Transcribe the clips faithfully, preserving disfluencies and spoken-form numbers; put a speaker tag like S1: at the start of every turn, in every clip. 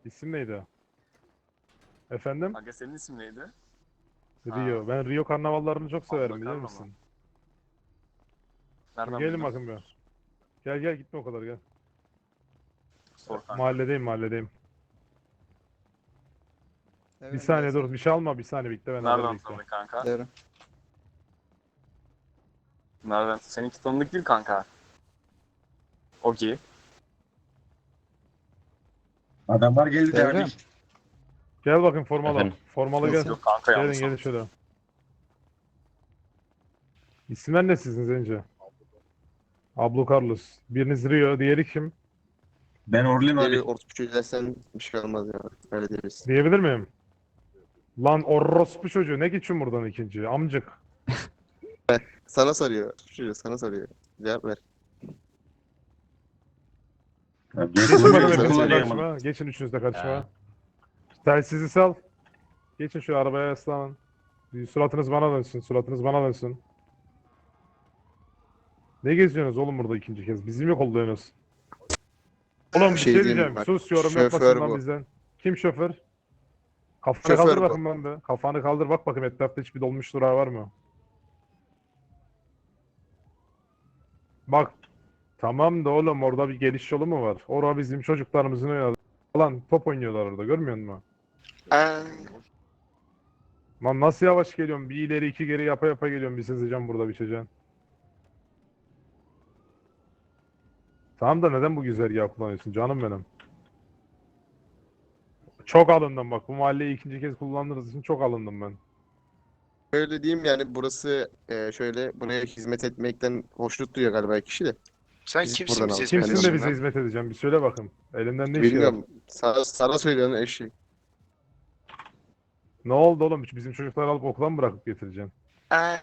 S1: İsim neydi? Efendim?
S2: Aga senin isim neydi?
S1: Rio.
S2: Ha.
S1: Ben Rio karnavallarını çok severim
S2: Abla
S1: biliyor
S2: Carlo mu?
S1: musun?
S2: Nereden
S1: Gelin
S2: bildin?
S1: bakın bir. Gel gel gitme o kadar gel.
S2: Sor kanka.
S1: Mahalledeyim mahalledeyim. Bir
S3: Devrim
S1: saniye
S3: gelsene.
S1: dur bir şey alma bir saniye bekle ben haber
S2: Nereden
S1: bekle.
S2: tanıdın kanka?
S3: Devrim.
S2: Nereden? Seninki tanıdık değil kanka. Okey.
S4: Adamlar geldi
S3: Devrim.
S4: abi.
S1: Gel bakın formalı.
S5: Efendim?
S1: Formalı
S3: Nasıl?
S1: gel.
S2: Yok kanka
S1: Gelin
S2: yanlış
S1: gelin
S2: anladın.
S1: şöyle. İsimler ne sizin Zence? Ablo Carlos. Biriniz Rio, diğeri kim?
S4: Ben Orlin
S3: Geri
S4: abi.
S3: orospu dersen bir şey olmaz ya. Öyle deriz.
S1: Diyebilir miyim? Lan orospu çocuğu ne geçiyorsun buradan ikinci? Amcık.
S3: Sana soruyor. Çocuğu sana soruyor. Cevap ver.
S4: Ya,
S1: Geçin
S3: Soruyor,
S1: bakın
S3: sana
S1: hepiniz de
S3: soruyor.
S1: karşıma. Geçin üçünüz de karşıma.
S5: Ha.
S1: Telsizi sal. Geçin şu arabaya yaslanın. Bir Suratınız bana dönsün. Suratınız bana dönsün. Ne geziyorsunuz oğlum burada ikinci kez? Bizi mi kolluyorsunuz? Oğlum bir
S3: Şey
S1: şey
S3: diyeyim
S1: diyeceğim.
S3: bak,
S1: Sus yorum
S3: şoför
S1: yapmasın lan
S3: bu.
S1: bizden. Kim şoför? Kafanı
S3: Şoför
S1: kaldır
S3: bu.
S1: bakın ben de. Kafanı kaldır bak bakayım etrafta hiçbir dolmuş durağı var mı? Bak. Tamam da oğlum orada bir geliş yolu mu var? Orada bizim çocuklarımızın oynadı. Lan top oynuyorlar orada görmüyor musun?
S3: Aa,
S1: Lan nasıl yavaş geliyorum? Bir ileri iki geri yapa yapa geliyorum. Bir sızacağım burada biçeceğim. Tamam da neden bu güzergahı kullanıyorsun canım benim? Çok alındım bak. Bu mahalleyi ikinci kez kullandığınız için çok alındım ben.
S3: Öyle diyeyim yani burası e, şöyle buraya hizmet etmekten hoşnut duyuyor galiba kişi de.
S6: Sen
S3: Biz
S6: kimsin
S3: buradan
S6: bize
S3: aldık.
S6: hizmet
S1: Kimsin de
S6: ediyorsun
S1: bize
S6: lan?
S1: hizmet edeceğim? Bir söyle bakın. Elimden ne iş gelir?
S3: Bilmiyorum. Sana, sana söylüyorsun eşi.
S1: Ne oldu oğlum? Bizim çocukları alıp okula mı bırakıp getireceksin?
S3: Aa.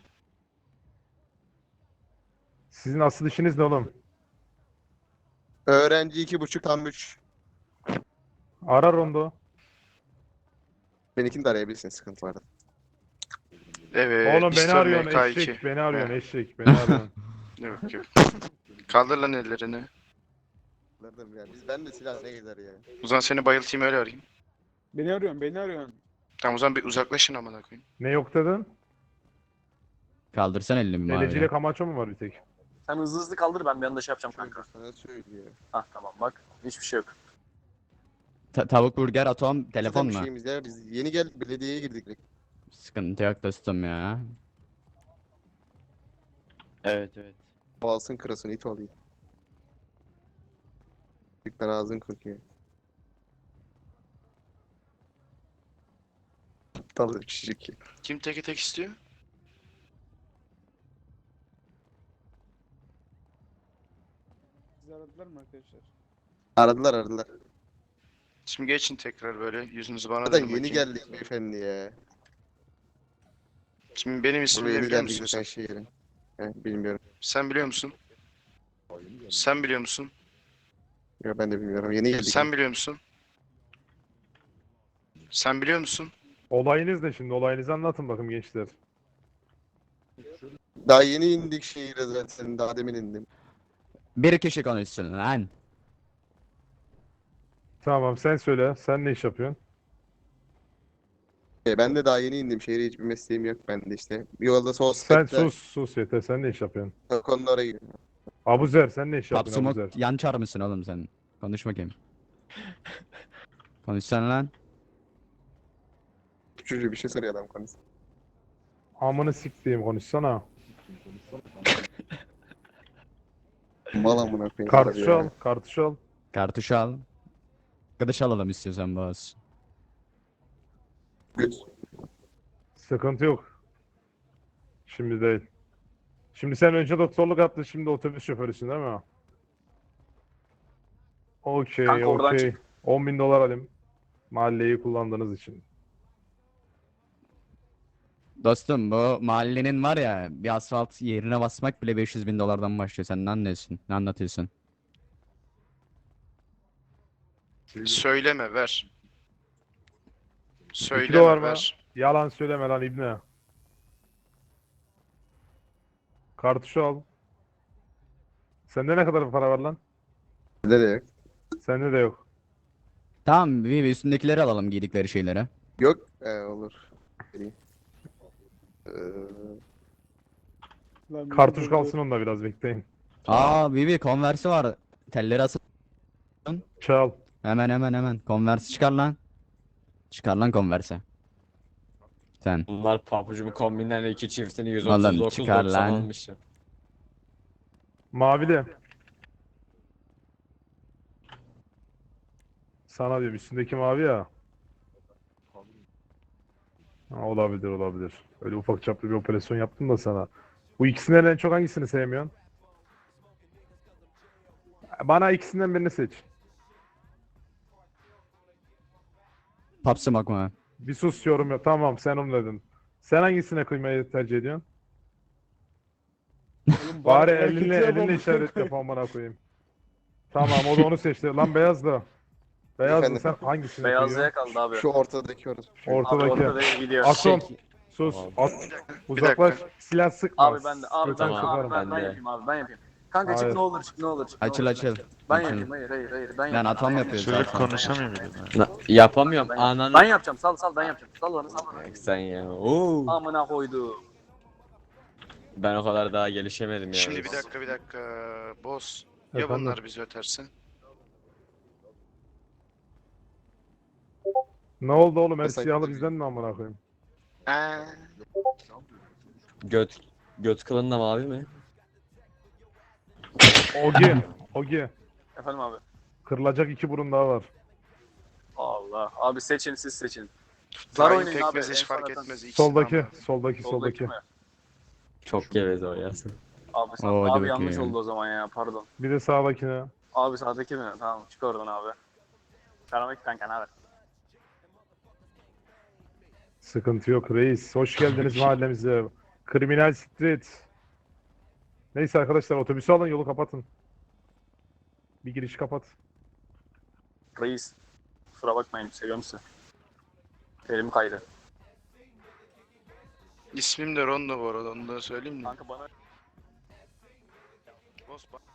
S1: Sizin asıl işiniz ne oğlum?
S3: Öğrenci iki buçuk tam üç.
S1: Ara rondo.
S3: Benimkini de arayabilirsin sıkıntı vardı.
S6: Evet.
S1: Oğlum beni
S6: Mister
S1: arıyorsun
S6: M K iki.
S1: eşek. Beni arıyorsun
S6: He.
S1: eşek. Beni arıyorsun.
S6: Yok yok. Kaldır lan ellerini.
S3: Anladım yani. Biz ben de silah ne gezer ya.
S6: O zaman seni bayıltayım öyle arayayım.
S7: Beni arıyorsun, beni arıyorsun.
S6: Tamam o zaman bir uzaklaşın amına koyayım.
S1: Ne yok dedin?
S5: Kaldırsan elini bir
S1: Deleciyle
S5: maviye.
S1: Kamaço mu var bir tek?
S2: Sen hızlı hızlı kaldır ben bir anda şey yapacağım kanka.
S3: Sana söylüyor.
S2: Hah tamam bak. Hiçbir şey yok.
S5: Ta- tavuk burger atom
S3: Zaten
S5: telefon
S3: bir
S5: mu?
S3: şeyimiz ya. Biz yeni geldik belediyeye girdik. direkt.
S5: Sıkıntı yok dostum ya.
S8: Evet evet.
S3: Boğazın kırasın it olayım. Tıktan ağzın kokuyor. Aptal bir çocuk ya.
S6: Kim teke tek istiyor?
S7: Sizi aradılar mı arkadaşlar?
S3: Aradılar aradılar.
S6: Şimdi geçin tekrar böyle yüzünüzü bana
S3: Zaten
S6: dönün
S3: yeni
S6: bakayım.
S3: geldik beyefendi ya.
S6: Şimdi benim ismimi
S3: Buraya
S6: ne
S3: yeni
S6: biliyor
S3: geldik
S6: musun
S3: sen
S6: sen?
S3: şehrin. He, bilmiyorum.
S6: Sen biliyor musun? Sen biliyor musun?
S3: Yok ben de bilmiyorum. Yeni geldik.
S6: Sen biliyor musun? Sen biliyor musun?
S1: Olayınız ne şimdi? Olayınızı anlatın bakın gençler.
S3: Daha yeni indik şehire zaten. Daha demin indim.
S5: Bir kişi konuşsun lan.
S1: Tamam sen söyle. Sen ne iş yapıyorsun?
S3: E, ben de daha yeni indim. Şehre hiçbir mesleğim yok. Ben de işte. Yolda
S1: Sen
S3: sohbette.
S1: sus sus yeter. Sen ne iş yapıyorsun?
S3: Konulara gidiyorum.
S1: Abuzer sen ne iş yapıyorsun
S5: Papsumok
S1: Abuzer?
S5: yan çar mısın oğlum sen? Konuş bakayım. Konuşsana lan.
S3: Çocuğu bir şey soruyor adam konusu.
S1: Amını siktiğim konuşsana.
S3: Mal amına koyayım.
S1: Kartuşu
S3: ya.
S1: al. Kartuşu al.
S5: Kartuş al. Arkadaş alalım istiyorsan boz.
S3: Göt.
S1: Sıkıntı yok. Şimdi değil. Şimdi sen önce doktorluk yaptın. Şimdi otobüs şoförüsün değil mi? Okey
S2: Kanka oradan
S1: okey. on bin dolar alayım. Mahalleyi kullandığınız için.
S5: Dostum bu mahallenin var ya bir asfalt yerine basmak bile beş yüz bin dolardan başlıyor. Sen ne anlıyorsun? Ne anlatıyorsun?
S6: Söyleme ver.
S1: İki
S6: Söyleme
S1: dolar mı?
S6: ver.
S1: Yalan söyleme lan İbne. Kartuşu al. Sende ne kadar para var lan?
S3: Nereye?
S1: Sende de yok.
S5: Tamam bir, bir üstündekileri alalım giydikleri şeyleri.
S3: Yok. Ee, olur. Vereyim. Ee,
S7: Lan
S1: Kartuş
S7: dur,
S1: kalsın
S7: dur.
S1: onda biraz bekleyin.
S5: Aa Vivi Converse'i var. Telleri asıl.
S1: Çal.
S5: Hemen hemen hemen. Converse çıkar lan. Çıkar lan Converse'i. Sen.
S8: Bunlar pabucumu kombinlerle iki çiftini
S5: Oğlum,
S8: yüz otuz dokuz
S5: çıkar
S8: doksan
S5: lan.
S8: almışım.
S1: Mavili. Sana diyorum üstündeki mavi ya. Ha, olabilir olabilir. Öyle ufak çaplı bir operasyon yaptım da sana. Bu ikisinden en çok hangisini sevmiyorsun? Bana ikisinden birini seç.
S5: Pop Smoke mu?
S1: Bir sus yorum yok. Tamam sen onu dedin. Sen hangisine kıymayı tercih ediyorsun?
S7: Oğlum
S1: Bari
S7: hareketi
S1: elinle
S7: yap
S1: elinle
S7: amına
S1: işaret
S7: koyayım.
S1: yap amına koyayım. Tamam o da onu seçti. Lan beyazlı. Beyazlı
S3: Efendim?
S1: sen hangisini
S2: Beyazlıya
S1: kıyıyorsun?
S2: kaldı abi.
S3: şu ortadaki orası. Şu.
S2: Abi
S1: Ortadaki.
S2: ortada gidiyor.
S1: Akrom.
S8: Şey-
S1: Sus.
S8: Tamam.
S1: At.
S6: Bir
S1: Uzaklaş.
S6: dakika.
S1: Silah sıkma.
S2: Abi ben de abi ben,
S1: Götünü
S2: abi
S1: sıkarım.
S2: ben, ben
S8: Ben de.
S2: yapayım abi ben yapayım. Kanka çık
S1: Hayır.
S2: ne olur çık ne olur çık. ne
S5: Açıl
S2: olur.
S5: açıl.
S2: Ben
S5: Açıl.
S2: yapayım hayır hayır hayır ben
S5: Lan
S2: yapayım.
S5: atom
S2: Ben
S5: yapıyoruz
S6: Çocuk
S5: zaten.
S6: konuşamıyor muydu?
S8: Na- yapamıyorum
S2: Ben,
S8: ananı.
S2: ben yapacağım sal sal ben yapacağım. Sal bana sal bana.
S8: Bak sen ya. Oo.
S2: Amına koydu.
S8: Ben o kadar daha gelişemedim ya.
S6: Şimdi bir dakika bir dakika. Boss. Ya
S1: Efendim?
S6: bunlar bizi ötersin?
S1: Ne oldu oğlum? Her
S3: Mesela-
S1: siyahlı bizden mi amına koyayım?
S6: Eee.
S8: Göt göt kılın da mavi mi?
S1: Ogi. Ogi.
S2: Efendim abi.
S1: Kırılacak iki burun daha var.
S2: Allah. Abi seçin siz seçin. Zar
S6: Tayin
S2: oynayın abi.
S6: pekmez hiç
S2: en
S6: fark
S2: sonradan.
S6: etmez. İkisi
S1: Soldaki.
S6: de
S1: Soldaki.
S2: Soldaki
S1: Soldaki.
S2: mi?
S8: Çok geveze o ya.
S2: Abi, sen,
S5: Oo, hadi
S2: abi yanlış
S5: bakayım.
S2: oldu o zaman ya pardon.
S1: Bir de sağdakine.
S2: Abi sağdaki mi? Tamam çık oradan abi. Selamünaleyküm kanka ne haber?
S1: Sıkıntı yok reis. Hoş geldiniz mahallemize. Kriminal Street. Neyse arkadaşlar otobüsü alın yolu kapatın. Bir giriş kapat.
S2: Reis. Kusura bakmayın seviyorum sizi. Elim kaydı.
S6: İsmim de Rondo bu arada onu da söyleyeyim mi?
S2: Kanka bana
S6: Boss bak.